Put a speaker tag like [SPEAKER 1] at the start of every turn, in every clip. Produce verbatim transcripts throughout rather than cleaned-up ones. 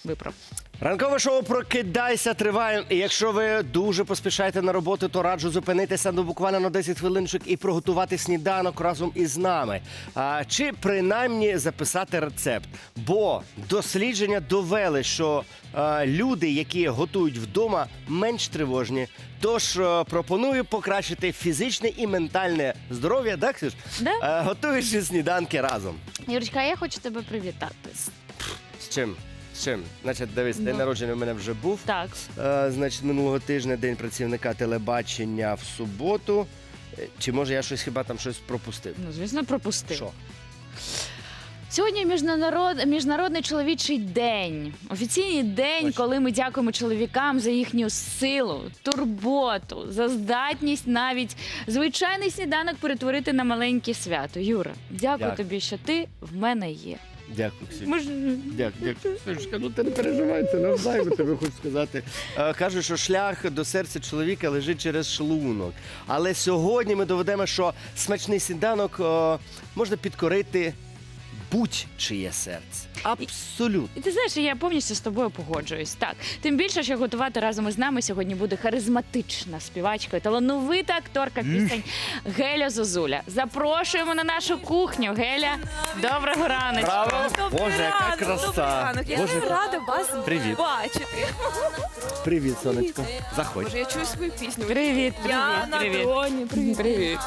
[SPEAKER 1] виправ.
[SPEAKER 2] Ранкове шоу «Прокидайся» триває. І якщо ви дуже поспішаєте на роботу, то раджу зупинитися ну, буквально на десять хвилиночок і приготувати сніданок разом із нами. А, чи принаймні записати рецепт. Бо дослідження довели, що а, люди, які готують вдома, менш тривожні. Тож а, пропоную покращити фізичне і ментальне здоров'я, так, Ксюш?
[SPEAKER 1] Да?
[SPEAKER 2] А, готуючи сніданки разом.
[SPEAKER 1] Юрочка, я хочу тебе привітати.
[SPEAKER 2] З чим? З чим? Значить, дивись, день
[SPEAKER 1] Ну.
[SPEAKER 2] народження у мене вже був.
[SPEAKER 1] Так.
[SPEAKER 2] Е, значить, минулого тижня День працівника телебачення в суботу. Е, Чи може я щось хіба там щось пропустив?
[SPEAKER 1] Ну, звісно, пропустив.
[SPEAKER 2] Що?
[SPEAKER 1] Сьогодні міжнарод... Міжнародний чоловічий день. Офіційний день,
[SPEAKER 2] Точно.
[SPEAKER 1] коли ми дякуємо чоловікам за їхню силу, турботу, за здатність навіть звичайний сніданок перетворити на маленьке свято. Юра, дякую,
[SPEAKER 2] Дякую.
[SPEAKER 1] тобі, що ти в мене є.
[SPEAKER 2] Дякую, Ксюша.
[SPEAKER 1] Ми ж...
[SPEAKER 2] Дякую, дякую. Ксюшка, ну ти не переживай, це навзаєм, тебе хочу сказати. Е, Кажуть, що шлях до серця чоловіка лежить через шлунок. Але сьогодні ми доведемо, що смачний сніданок е, можна підкорити будь-чиє серце. Абсолютно.
[SPEAKER 1] І ти знаєш, я повністю з тобою погоджуюсь. Так, тим більше, що готувати разом із нами сьогодні буде харизматична співачка і талановита акторка пісень Геля Зозуля. Запрошуємо на нашу кухню. Геля, доброго раночку.
[SPEAKER 2] Браво!
[SPEAKER 3] Добрий
[SPEAKER 2] Боже, яка
[SPEAKER 3] ранок, добрий
[SPEAKER 2] краса!
[SPEAKER 3] ранок. Я
[SPEAKER 2] Боже,
[SPEAKER 3] дуже рада вас
[SPEAKER 2] Привіт.
[SPEAKER 3] бачити.
[SPEAKER 2] привіт, сонечко. Заходь.
[SPEAKER 3] Боже, я чую свою пісню.
[SPEAKER 1] Привіт,
[SPEAKER 3] Я
[SPEAKER 1] привіт,
[SPEAKER 3] на
[SPEAKER 1] привіт.
[SPEAKER 3] троні. Привіт.
[SPEAKER 1] Привіт.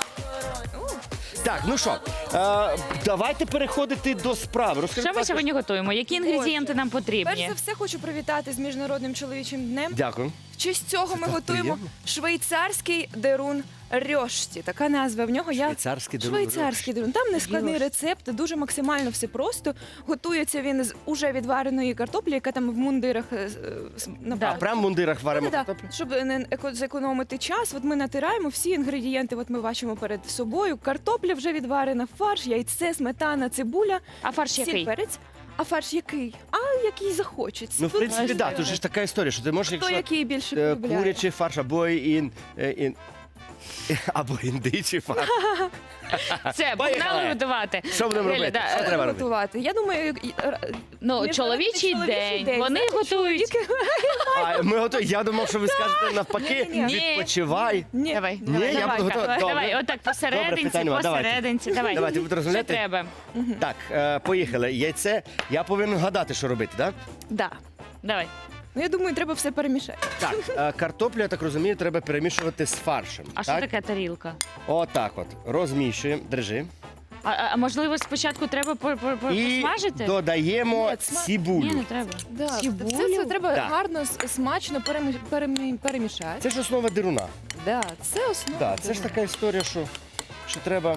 [SPEAKER 2] Так, ну що, е, давайте переходити до справи. Розкажи,
[SPEAKER 1] Що ми
[SPEAKER 2] будь ласка,
[SPEAKER 1] сьогодні готуємо? Які інгредієнти нам
[SPEAKER 3] Перш
[SPEAKER 1] потрібні?
[SPEAKER 3] за все хочу привітати з Міжнародним чоловічим днем.
[SPEAKER 2] Дякую.
[SPEAKER 3] В честь цього ми
[SPEAKER 2] так
[SPEAKER 3] готуємо
[SPEAKER 2] приємно.
[SPEAKER 3] швейцарський дерун рьошті. Така назва в нього. Я
[SPEAKER 2] Швейцарський дерун
[SPEAKER 3] Швейцарський дерун. Там не складний
[SPEAKER 1] Рьошті.
[SPEAKER 3] рецепт, дуже максимально все просто. Готується він з уже відвареної картоплі, яка там в мундирах е, з- на
[SPEAKER 1] Да.
[SPEAKER 2] А прям в мундирах варимо
[SPEAKER 3] Да,
[SPEAKER 2] картоплю?
[SPEAKER 3] щоб не еко- зекономити час, от ми натираємо всі інгредієнти. От ми бачимо перед собою. Картопля вже відварена, фарш, яйце, сметана, цибуля,
[SPEAKER 1] А фарш
[SPEAKER 3] сіль,
[SPEAKER 1] який?
[SPEAKER 3] перець. А фарш який? А який захочеться.
[SPEAKER 2] Ну, в
[SPEAKER 3] Тут
[SPEAKER 2] принципі,
[SPEAKER 3] ось,
[SPEAKER 2] да,
[SPEAKER 3] е,
[SPEAKER 2] тут же ж така історія, що ти можеш,
[SPEAKER 3] хто
[SPEAKER 2] якщо
[SPEAKER 3] який більше
[SPEAKER 2] е,
[SPEAKER 3] полюбляє.
[SPEAKER 2] курячий фарш або ін, е, ін, або індичий фарш.
[SPEAKER 1] Все,
[SPEAKER 2] Поїхали.
[SPEAKER 1] погнали готувати.
[SPEAKER 2] Що будемо
[SPEAKER 1] Геля,
[SPEAKER 2] робити?
[SPEAKER 1] да,
[SPEAKER 2] Що
[SPEAKER 1] е,
[SPEAKER 2] треба робити?
[SPEAKER 3] готувати. Я думаю, і- е,
[SPEAKER 1] Ну,
[SPEAKER 3] Міжнародний
[SPEAKER 1] чоловічий
[SPEAKER 3] чоловічий
[SPEAKER 1] день.
[SPEAKER 3] день.
[SPEAKER 1] Вони
[SPEAKER 3] Знаєте,
[SPEAKER 1] готують.
[SPEAKER 3] чоловіки-
[SPEAKER 2] А, ми готові. Я думав, що ви скажете навпаки,
[SPEAKER 3] Ні-ні-ні.
[SPEAKER 2] відпочивай.
[SPEAKER 3] Ні.
[SPEAKER 1] Давай,
[SPEAKER 2] Ні,
[SPEAKER 1] давай,
[SPEAKER 2] я
[SPEAKER 1] давай,
[SPEAKER 2] буду
[SPEAKER 1] давай,
[SPEAKER 2] готова. Добре.
[SPEAKER 1] давай, отак посерединці,
[SPEAKER 2] питань нема. Давайте.
[SPEAKER 1] посерединці. Давай.
[SPEAKER 2] Давайте, будете
[SPEAKER 1] Що
[SPEAKER 2] розмовляти?
[SPEAKER 1] треба?
[SPEAKER 2] Так, е, поїхали. Яйце. Я повинен гадати, що робити, так?
[SPEAKER 3] Да.
[SPEAKER 1] Давай.
[SPEAKER 3] Ну, я думаю, треба все перемішати.
[SPEAKER 2] Так, е, картоплю, я так розумію, треба перемішувати з фаршем.
[SPEAKER 1] А що
[SPEAKER 2] так?
[SPEAKER 1] таке тарілка?
[SPEAKER 2] Отак от. Розміщуємо. Держи.
[SPEAKER 1] А, а можливо, спочатку треба по- по- по-
[SPEAKER 2] І
[SPEAKER 1] посмажити?
[SPEAKER 2] додаємо
[SPEAKER 3] Ні, сма-
[SPEAKER 2] цибулю.
[SPEAKER 1] Ні, не треба.
[SPEAKER 3] Да.
[SPEAKER 1] Цибулю?
[SPEAKER 3] Все це треба
[SPEAKER 2] Так.
[SPEAKER 3] гарно, с- смачно перемі- перемі- перемішати.
[SPEAKER 2] Це ж основа дируна.
[SPEAKER 3] Да, це основа.
[SPEAKER 2] Да, це ж така історія, що, що треба.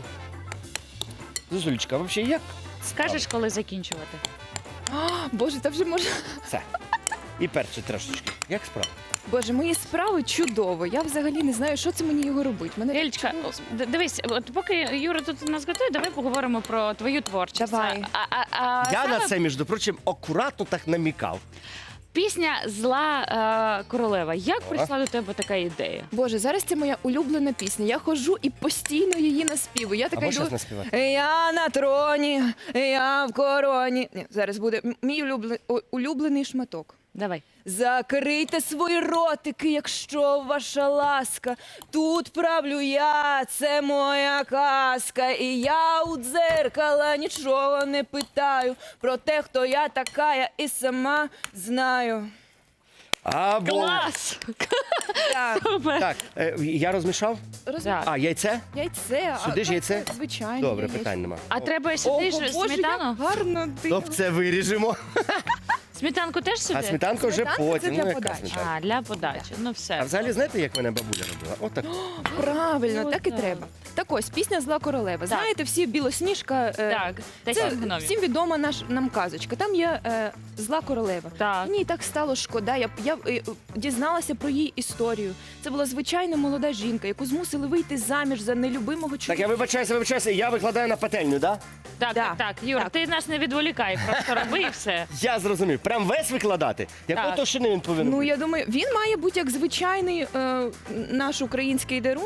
[SPEAKER 2] Зозулечка, взагалі як?
[SPEAKER 1] Скажеш, коли закінчувати?
[SPEAKER 3] А, Боже, та вже можна.
[SPEAKER 2] Все. І перше трошечки. Як справа?
[SPEAKER 3] Боже, мої справи чудово. Я взагалі не знаю, що це мені його робити. Мене так
[SPEAKER 1] Ельчка,
[SPEAKER 3] чудово.
[SPEAKER 1] д- дивись, от поки Юра тут нас готує, давай поговоримо про твою творчість.
[SPEAKER 3] Давай.
[SPEAKER 1] А, а, а
[SPEAKER 2] Я
[SPEAKER 1] саме
[SPEAKER 2] на це, між прочим, акуратно так намікав.
[SPEAKER 1] пісня Зла е, королева. Як
[SPEAKER 2] О.
[SPEAKER 1] прийшла до тебе така ідея?
[SPEAKER 3] Боже, зараз це моя улюблена пісня. Я ходжу і постійно її наспівую. Я така
[SPEAKER 2] Або
[SPEAKER 3] йду.
[SPEAKER 2] щас наспівати.
[SPEAKER 3] Я на троні, я в короні. Ні, зараз буде м- мій улюблен- о- улюблений шматок.
[SPEAKER 1] Давай.
[SPEAKER 3] Закрийте свої ротики, якщо ваша ласка. Тут правлю я, це моя казка. І я у дзеркала нічого не питаю. Про те, хто я така, я і сама знаю.
[SPEAKER 2] Або...
[SPEAKER 1] Клас!
[SPEAKER 3] Так,
[SPEAKER 1] Супер!
[SPEAKER 2] Так, е, я розмішав?
[SPEAKER 3] роз...
[SPEAKER 1] Так.
[SPEAKER 2] А, яйце?
[SPEAKER 3] Яйце. а
[SPEAKER 2] Сюди ж
[SPEAKER 3] так,
[SPEAKER 2] яйце?
[SPEAKER 3] Звичайно.
[SPEAKER 2] Добре,
[SPEAKER 3] яйце.
[SPEAKER 2] питань нема.
[SPEAKER 1] А треба
[SPEAKER 3] Ого,
[SPEAKER 1] сюди ж
[SPEAKER 3] Боже,
[SPEAKER 1] сметану?
[SPEAKER 3] як гарно ти.
[SPEAKER 2] Тобто це виріжемо.
[SPEAKER 1] Сметанку теж сюди?
[SPEAKER 2] А сметанка вже
[SPEAKER 3] Сметанка це
[SPEAKER 2] потім.
[SPEAKER 3] для
[SPEAKER 2] Ну, яка
[SPEAKER 3] подачі.
[SPEAKER 2] сметанка?
[SPEAKER 1] А, для подачі. Ну все.
[SPEAKER 2] А взагалі, знаєте, як мене бабуля робила? Отак.
[SPEAKER 3] Правильно,
[SPEAKER 1] Ось
[SPEAKER 3] так і
[SPEAKER 1] так.
[SPEAKER 3] треба. Так ось, пісня Зла королева. Знаєте, всі Білосніжка. е,
[SPEAKER 1] Так,
[SPEAKER 3] Це
[SPEAKER 1] десять гномів.
[SPEAKER 3] всім відома наш нам казочка. Там є е, зла королева.
[SPEAKER 1] Так.
[SPEAKER 3] Мені так стало шкода. Я, я е, дізналася про її історію. Це була звичайна молода жінка, яку змусили вийти заміж за нелюбимого
[SPEAKER 2] Так,
[SPEAKER 3] чоловіка.
[SPEAKER 2] я вибачаюся, вибачаюся, я викладаю на пательню, так?
[SPEAKER 1] Так,
[SPEAKER 3] Да.
[SPEAKER 1] так, так. Юр,
[SPEAKER 3] Так.
[SPEAKER 1] ти нас не відволікай, просто роби і все.
[SPEAKER 2] Я зрозумів. Прям весь викладати? Якої
[SPEAKER 1] Так.
[SPEAKER 2] товщини він повинен
[SPEAKER 3] Ну
[SPEAKER 2] бути?
[SPEAKER 3] я думаю, він має бути як звичайний е, наш український дерун.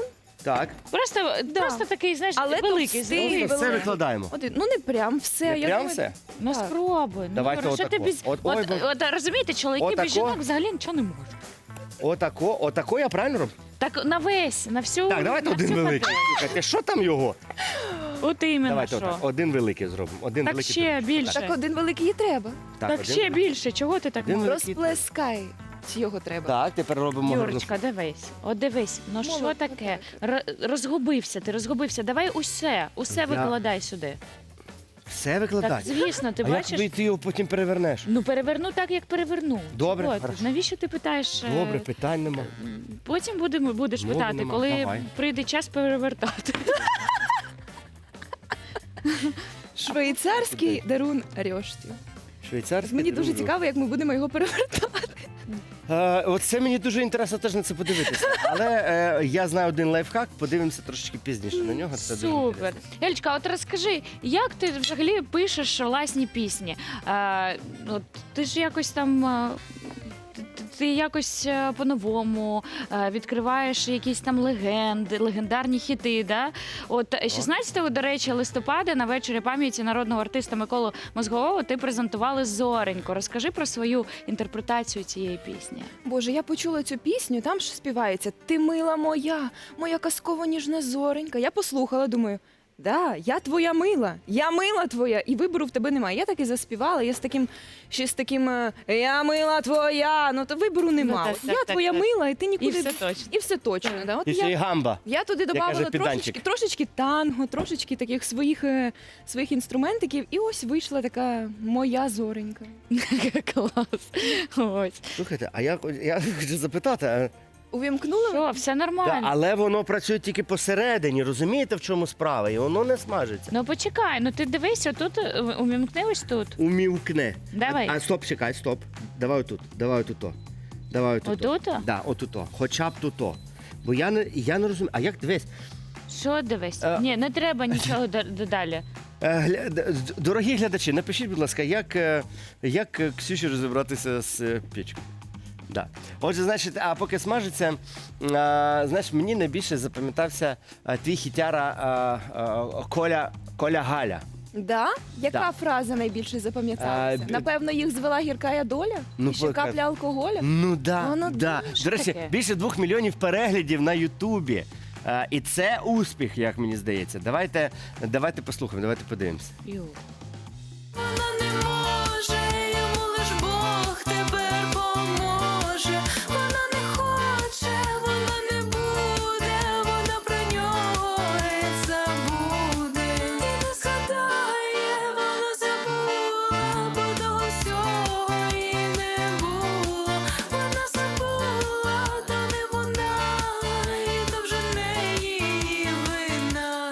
[SPEAKER 2] Так.
[SPEAKER 1] Просто,
[SPEAKER 3] Да.
[SPEAKER 1] просто такий, знаєш,
[SPEAKER 3] Але
[SPEAKER 1] великий.
[SPEAKER 3] товстий,
[SPEAKER 1] великий.
[SPEAKER 2] Все
[SPEAKER 3] великий.
[SPEAKER 2] викладаємо.
[SPEAKER 3] Один. Ну не прям все.
[SPEAKER 2] Не
[SPEAKER 3] я
[SPEAKER 2] прям
[SPEAKER 3] думаю,
[SPEAKER 2] все?
[SPEAKER 1] Ну
[SPEAKER 3] Так.
[SPEAKER 1] спробуй.
[SPEAKER 2] Давайте
[SPEAKER 1] Ну, що
[SPEAKER 2] отако.
[SPEAKER 1] ти без...
[SPEAKER 2] От-
[SPEAKER 1] от,
[SPEAKER 2] ой, бо-
[SPEAKER 1] от, розумієте, чоловіки
[SPEAKER 2] Отако.
[SPEAKER 1] без жінок взагалі нічого не можуть.
[SPEAKER 2] Отако, отако я правильно роблю?
[SPEAKER 1] Так на весь, на всю.
[SPEAKER 2] Так, давайте
[SPEAKER 1] на
[SPEAKER 2] один
[SPEAKER 1] всю
[SPEAKER 2] великий.
[SPEAKER 1] пательню.
[SPEAKER 2] Слухайте, що там його?
[SPEAKER 1] От іменно
[SPEAKER 2] Давайте
[SPEAKER 1] що.
[SPEAKER 2] отак. Один великий зробимо. Один
[SPEAKER 1] Так
[SPEAKER 2] великий.
[SPEAKER 1] ще
[SPEAKER 2] зробимо.
[SPEAKER 1] більше.
[SPEAKER 3] Так один великий і треба.
[SPEAKER 2] Так,
[SPEAKER 1] Так
[SPEAKER 2] один-
[SPEAKER 1] ще більше. Чого ти так
[SPEAKER 2] Один
[SPEAKER 1] можеш?
[SPEAKER 2] великий.
[SPEAKER 3] Розплескай його треба.
[SPEAKER 2] Так, тепер робимо гарну.
[SPEAKER 1] Юрочка, дивись, от дивись, ну що
[SPEAKER 3] Молодець.
[SPEAKER 1] таке? Р- розгубився, ти розгубився. Давай усе, усе
[SPEAKER 2] Я-
[SPEAKER 1] викладай сюди.
[SPEAKER 2] Все
[SPEAKER 1] Так,
[SPEAKER 2] викладати.
[SPEAKER 1] звісно, ти
[SPEAKER 2] А як
[SPEAKER 1] бачиш?
[SPEAKER 2] ви- ти його потім перевернеш?
[SPEAKER 1] Ну переверну так, як переверну.
[SPEAKER 2] Добре,
[SPEAKER 1] Чого ти?
[SPEAKER 2] хорошо.
[SPEAKER 1] Навіщо ти питаєш? е,
[SPEAKER 2] Добре, питань нема.
[SPEAKER 1] Потім будемо будеш
[SPEAKER 2] Мови
[SPEAKER 1] питати,
[SPEAKER 2] нема,
[SPEAKER 1] коли
[SPEAKER 2] давай.
[SPEAKER 1] прийде час перевертати.
[SPEAKER 3] Швейцарський дарун Рьошті.
[SPEAKER 2] Швейцарський.
[SPEAKER 3] Мені дуже
[SPEAKER 2] друг.
[SPEAKER 3] цікаво, як ми будемо його перевертати.
[SPEAKER 2] Е, Оце мені дуже інтересно теж на це подивитися. Але е, я знаю один лайфхак, подивимося трошки пізніше на нього. Це дуже
[SPEAKER 1] Супер.
[SPEAKER 2] інтересно.
[SPEAKER 1] Елічка, от розкажи, як ти взагалі пишеш власні пісні? Е, от, ти ж якось там. е, ти- Ти якось е, по-новому е, відкриваєш якісь там легенди, легендарні хіти. Да? От шістнадцятого, до речі, листопада на вечорі пам'яті народного артиста Миколу Мозгового ти презентували Зоренько. Розкажи про свою інтерпретацію цієї пісні.
[SPEAKER 3] Боже, я почула цю пісню, там ж співається «Ти мила моя, моя казково ніжна зоренька». Я послухала, думаю, да, я твоя мила, я мила твоя, і вибору в тебе немає. Я так і заспівала, я з таким, ще з таким е, «Я мила твоя», ну то вибору нема.
[SPEAKER 1] так,
[SPEAKER 3] От
[SPEAKER 1] так,
[SPEAKER 3] я
[SPEAKER 1] так,
[SPEAKER 3] твоя
[SPEAKER 1] так.
[SPEAKER 3] мила, і ти
[SPEAKER 1] І
[SPEAKER 3] нікуди...
[SPEAKER 1] все точно.
[SPEAKER 3] І все точно, да. От
[SPEAKER 2] І ще й
[SPEAKER 3] я,
[SPEAKER 2] гамба.
[SPEAKER 3] я туди
[SPEAKER 2] каже
[SPEAKER 3] додавала
[SPEAKER 2] підданчик.
[SPEAKER 3] трошечки, трошечки танго, трошечки таких своїх, е, своїх інструментиків, і ось вийшла така моя зоренька.
[SPEAKER 1] Клас. Ось.
[SPEAKER 2] Слухайте, а я, я хочу запитати, а,
[SPEAKER 3] Увімкнула?
[SPEAKER 1] Що, все
[SPEAKER 2] та,
[SPEAKER 1] нормально.
[SPEAKER 2] але воно працює тільки посередині, розумієте, в чому справа? І воно не смажиться.
[SPEAKER 1] Ну почекай, ну ти дивись, отут е, умімкни ось тут.
[SPEAKER 2] Умівкне.
[SPEAKER 1] Давай.
[SPEAKER 2] А, а стоп, чекай, стоп. Давай отут, давай отут. Давай отут.
[SPEAKER 1] Отут?
[SPEAKER 2] Да, отут. Хоча б тут. Бо я не, я не розумію. А як дивись?
[SPEAKER 1] Що дивись?
[SPEAKER 2] Е.
[SPEAKER 1] Ні, не треба нічого д- додалі.
[SPEAKER 2] Е, гля- д- д- Дорогі глядачі, напишіть, будь ласка, як, е, як е, Ксюші розібратися з е, пічкою. Да. Отже, значить, а поки смажиться, а, знаєш, мені найбільше запам'ятався а, твій хітяра а, а, Коля, Коля Галя.
[SPEAKER 3] Да? Яка
[SPEAKER 2] Да.
[SPEAKER 3] фраза найбільше запам'яталася?
[SPEAKER 2] А, бі-
[SPEAKER 3] Напевно, їх звела гіркая доля?
[SPEAKER 2] Ну,
[SPEAKER 3] І ще
[SPEAKER 2] пока-
[SPEAKER 3] капля алкоголя?
[SPEAKER 2] Ну да,
[SPEAKER 3] Воно
[SPEAKER 2] да.
[SPEAKER 3] дуже
[SPEAKER 2] До речі,
[SPEAKER 1] таке.
[SPEAKER 2] більше двох мільйонів переглядів на Ютубі. А, і це успіх, як мені здається. Давайте, давайте послухаємо, давайте подивимося.
[SPEAKER 1] Ю.
[SPEAKER 4] Вона не може, йому лиш Бог тепер поможе. Вона не хоче, вона не буде, вона про нього геть забуде. І не згадає, вона забула, бо того всього і не було. Вона забула, то не вона, і то вже не її вина.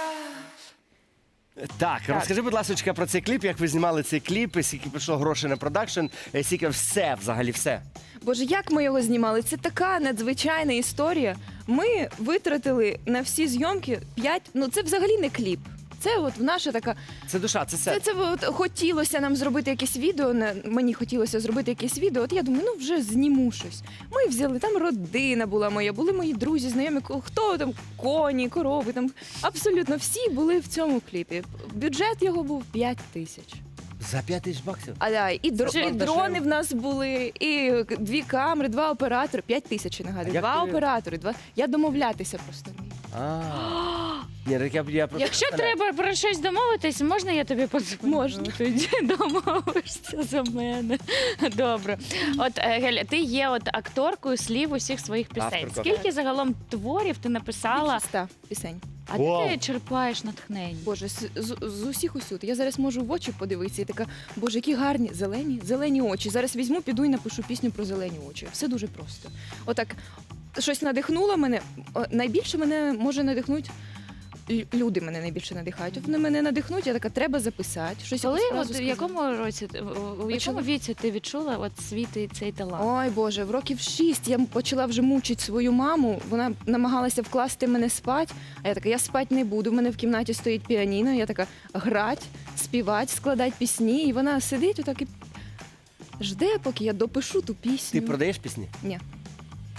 [SPEAKER 2] Так, розкажи, будь ласка, про цей кліп, як ви знімали цей кліп, і скільки пішло грошей на продакшн, і скільки все, взагалі все.
[SPEAKER 3] Боже, як ми його знімали? Це така надзвичайна історія. Ми витратили на всі зйомки п'ять, ну це взагалі не кліп. Це от наша така.
[SPEAKER 2] Це душа, це
[SPEAKER 3] Це,
[SPEAKER 2] все.
[SPEAKER 3] це от хотілося нам зробити якесь відео. на- Мені хотілося зробити якесь відео. От я думаю, ну вже зніму щось. Ми взяли, там родина була моя, були мої друзі, знайомі, ко- хто там коні, корови. Там абсолютно всі були в цьому кліпі. Бюджет його був п'ять тисяч.
[SPEAKER 2] За п'ять тисяч баксів.
[SPEAKER 3] А да, і, дро,
[SPEAKER 1] Це
[SPEAKER 3] і
[SPEAKER 1] дешево.
[SPEAKER 3] дрони в нас були, і дві камери, два оператори, п'ять тисяч я
[SPEAKER 2] А
[SPEAKER 3] нагадую.
[SPEAKER 2] як
[SPEAKER 3] Два
[SPEAKER 2] ти-
[SPEAKER 3] оператори, два. Я домовлятися просто вмію.
[SPEAKER 2] А. Ні, так я, я просто
[SPEAKER 1] Якщо
[SPEAKER 2] представляю.
[SPEAKER 1] треба про щось домовитись, можна я тобі подзвоню?
[SPEAKER 3] Можна.
[SPEAKER 1] Тоді домовишся за мене. Добре. От е, Геля, ти є от акторкою слів усіх своїх пісень.
[SPEAKER 2] Авторка.
[SPEAKER 1] Скільки загалом творів ти написала?
[SPEAKER 3] Більше ста пісень.
[SPEAKER 1] А
[SPEAKER 2] Вау.
[SPEAKER 1] де ти черпаєш натхнення?
[SPEAKER 3] Боже, з, з, з усіх усюд. Я зараз можу в очі подивитися і така, боже, які гарні зелені, зелені очі. Зараз візьму, піду і напишу пісню про зелені очі. Все дуже просто. Отак, щось надихнуло мене. О, найбільше мене може надихнути. лю- Люди мене найбільше надихають. От вони мене надихнуть, я така, треба записати. Щось
[SPEAKER 1] Коли,
[SPEAKER 3] якусь фразу
[SPEAKER 1] от, в
[SPEAKER 3] сказати.
[SPEAKER 1] якому році, ти- у- у якому
[SPEAKER 3] Почала.
[SPEAKER 1] віці ти відчула от свій ти- цей талант?
[SPEAKER 3] Ой, Боже, в років шість я почала вже мучити свою маму. Вона намагалася вкласти мене спати. А я така, я спати не буду. У мене в кімнаті стоїть піаніно. Я така грать, співати, складати пісні. І вона сидить отак і жде, поки я допишу ту пісню.
[SPEAKER 2] Ти продаєш пісні?
[SPEAKER 3] Ні.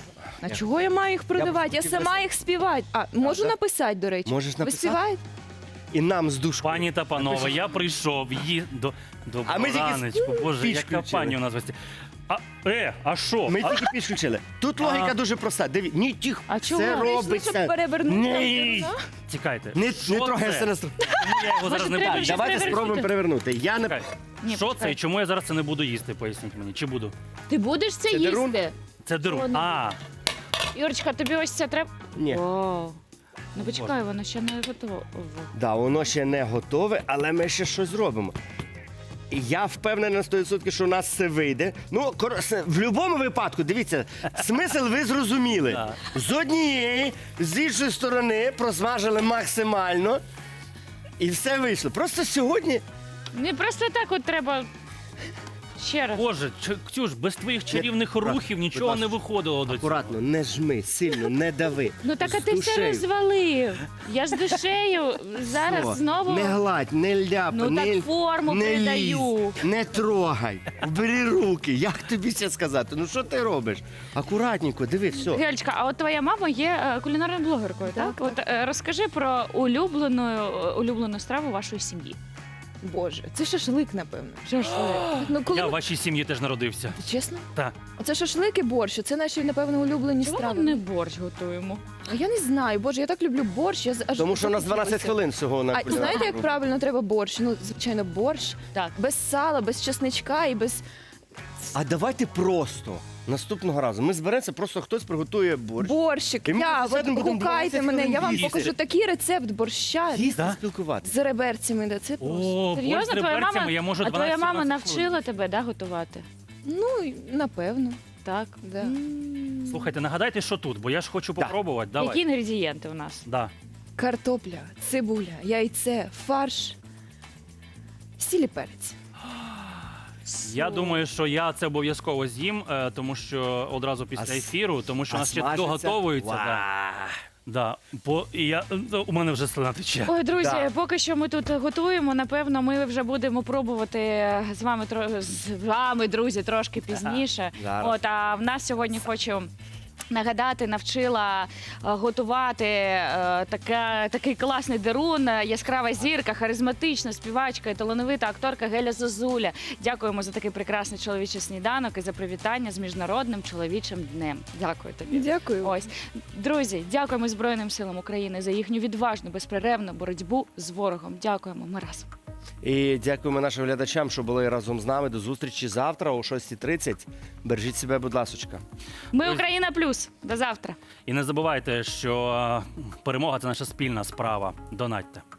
[SPEAKER 3] А чого я маю їх продавати? Я,
[SPEAKER 2] хотів
[SPEAKER 3] сама
[SPEAKER 2] написати.
[SPEAKER 3] їх співати. А, можу
[SPEAKER 2] да?
[SPEAKER 3] написати, до речі.
[SPEAKER 2] Можеш
[SPEAKER 3] Ви
[SPEAKER 2] написати?
[SPEAKER 3] співаєте?
[SPEAKER 2] І нам з душкою.
[SPEAKER 5] Пані та панове, я прийшов її до, до
[SPEAKER 2] А ми тільки
[SPEAKER 5] раночку. Боже,
[SPEAKER 2] піч
[SPEAKER 5] яка
[SPEAKER 2] включили.
[SPEAKER 5] пані у нас в гості. А, е, а що?
[SPEAKER 2] Ми
[SPEAKER 5] А-
[SPEAKER 2] тільки підключили. Тут логіка дуже проста. Диві, ні, тих,
[SPEAKER 1] А чого?
[SPEAKER 2] це
[SPEAKER 1] Прийшли,
[SPEAKER 2] робиться.
[SPEAKER 3] щоб перевернути
[SPEAKER 2] Ні.
[SPEAKER 3] там,
[SPEAKER 5] Чекайте.
[SPEAKER 2] Не,
[SPEAKER 5] що
[SPEAKER 2] не трогай
[SPEAKER 5] це?
[SPEAKER 2] це на
[SPEAKER 5] Чому я його зараз не
[SPEAKER 1] треба
[SPEAKER 5] буду
[SPEAKER 1] щось
[SPEAKER 5] їсти?
[SPEAKER 2] Давайте
[SPEAKER 1] перевернути.
[SPEAKER 2] спробуємо перевернути. Я не
[SPEAKER 5] Чекайте.
[SPEAKER 1] Ні,
[SPEAKER 5] Що це
[SPEAKER 1] почекай.
[SPEAKER 5] і чому я зараз це не буду їсти? Поясніть мені. Чи буду?
[SPEAKER 1] Ти будеш це,
[SPEAKER 2] Це
[SPEAKER 1] їсти?
[SPEAKER 2] дерун?
[SPEAKER 5] Це
[SPEAKER 1] О,
[SPEAKER 5] дерун.
[SPEAKER 1] не
[SPEAKER 5] А,
[SPEAKER 1] Юрочка, тобі ось це треба.
[SPEAKER 2] ні.
[SPEAKER 1] Вау. Ну почекай, воно ще не готово.
[SPEAKER 2] Да, воно ще не готове, але ми ще щось зробимо. І я впевнений на сто відсотків, що у нас все вийде. Ну, кор- с- в будь-якому випадку, дивіться, смисл ви зрозуміли.
[SPEAKER 5] Так.
[SPEAKER 2] З однієї, з іншої сторони просмажили максимально. І все вийшло. Просто сьогодні
[SPEAKER 1] Не просто так от треба. Ще раз.
[SPEAKER 5] Боже, Ч- Ксюш, без твоїх чарівних
[SPEAKER 2] акуратно,
[SPEAKER 5] рухів
[SPEAKER 2] будь
[SPEAKER 5] нічого
[SPEAKER 2] ласка.
[SPEAKER 5] не виходило до цього.
[SPEAKER 2] акуратно, не жми, сильно, не дави.
[SPEAKER 1] Ну так а
[SPEAKER 2] З
[SPEAKER 1] ти все
[SPEAKER 2] душею.
[SPEAKER 1] розвалив. Я з душею зараз
[SPEAKER 2] Все.
[SPEAKER 1] знову.
[SPEAKER 2] Не гладь, не ляпай,
[SPEAKER 1] Ну,
[SPEAKER 2] не,
[SPEAKER 1] так форму
[SPEAKER 2] не
[SPEAKER 1] передаю.
[SPEAKER 2] лізь, не трогай, бери руки. Як тобі це сказати? Ну що ти робиш? Акуратненько, диви, все.
[SPEAKER 1] Гельчка, а от твоя мама є е, кулінарною блогеркою, так?
[SPEAKER 3] Так,
[SPEAKER 1] От е, розкажи про улюблену, е, улюблену страву вашої сім'ї.
[SPEAKER 3] Боже, це шашлик, напевно.
[SPEAKER 1] Шашлик.
[SPEAKER 3] Ну, коли
[SPEAKER 5] Я в
[SPEAKER 3] ми-
[SPEAKER 5] вашій сім'ї теж народився.
[SPEAKER 3] Чесно?
[SPEAKER 5] Так.
[SPEAKER 3] Оце шашлик і борщ, це наші, напевно, улюблені
[SPEAKER 1] Чому ми
[SPEAKER 3] страви.
[SPEAKER 1] не борщ готуємо?
[SPEAKER 3] А я не знаю, боже, я так люблю борщ. Я з- аж
[SPEAKER 2] Тому що у нас дванадцять
[SPEAKER 3] захотілося.
[SPEAKER 2] хвилин всього на
[SPEAKER 3] А
[SPEAKER 2] кулінарну
[SPEAKER 3] знаєте, як
[SPEAKER 2] групу.
[SPEAKER 3] правильно треба борщ? Ну, звичайно, борщ
[SPEAKER 1] Так.
[SPEAKER 3] без сала, без чесничка і без
[SPEAKER 2] А давайте просто наступного разу. Ми зберемося, просто хтось приготує борщ.
[SPEAKER 3] борщик.
[SPEAKER 2] І ми
[SPEAKER 3] Я,
[SPEAKER 2] сидимо, будемо
[SPEAKER 3] гукайте
[SPEAKER 2] дванадцять
[SPEAKER 3] мене,
[SPEAKER 2] хвилин
[SPEAKER 3] я вам
[SPEAKER 2] їсти.
[SPEAKER 3] покажу такий рецепт борща
[SPEAKER 2] Їсти,
[SPEAKER 5] Да?
[SPEAKER 2] спілкуватися.
[SPEAKER 3] з реберцями. Да, це просто.
[SPEAKER 5] О, борщ з
[SPEAKER 1] Серйозно, твоя
[SPEAKER 5] реберцями
[SPEAKER 1] мама,
[SPEAKER 5] я можу
[SPEAKER 1] а твоя мама
[SPEAKER 5] дванадцять-сімнадцять хвилин.
[SPEAKER 1] навчила тебе да, готувати?
[SPEAKER 3] Ну, і напевно.
[SPEAKER 1] Так.
[SPEAKER 3] Да.
[SPEAKER 1] М.
[SPEAKER 5] Слухайте, нагадайте, що тут, бо я ж хочу
[SPEAKER 2] Да.
[SPEAKER 5] попробувати. Давай.
[SPEAKER 1] Які інгредієнти у нас?
[SPEAKER 5] Да.
[SPEAKER 3] Картопля, цибуля, яйце, фарш, сіль і перець.
[SPEAKER 5] Я думаю, що я це обов'язково з'їм, е, тому що одразу після
[SPEAKER 2] А с-
[SPEAKER 5] ефіру, тому що у
[SPEAKER 2] А
[SPEAKER 5] нас ще
[SPEAKER 2] смажиться?
[SPEAKER 5] доготовується. Да.
[SPEAKER 2] Ва.
[SPEAKER 5] Да. Бо і я, е, у мене вже слина тече.
[SPEAKER 1] Ой, друзі,
[SPEAKER 2] Да.
[SPEAKER 1] поки що ми тут готуємо. Напевно, ми вже будемо пробувати з вами тро- з вами, друзі, трошки пізніше.
[SPEAKER 2] Зараз.
[SPEAKER 1] От а в нас сьогодні хочу. Нагадати, навчила е, готувати е, така, такий класний дерун, е, яскрава зірка, харизматична співачка і талановита акторка Геля Зозуля. Дякуємо за такий прекрасний чоловічий сніданок і за привітання з Міжнародним чоловічим днем. Дякую тобі.
[SPEAKER 3] Дякую.
[SPEAKER 1] Ось, друзі, дякуємо Збройним силам України за їхню відважну, безперервну боротьбу з ворогом. Дякуємо. Ми разом.
[SPEAKER 2] І дякуємо нашим глядачам, що були разом з нами. До зустрічі завтра о шостій тридцять. Бережіть себе, будь ласочка.
[SPEAKER 1] Ми
[SPEAKER 5] Ось.
[SPEAKER 1] Україна плюс. До завтра.
[SPEAKER 5] І не забувайте, що е, перемога це наша спільна справа. Донатьте.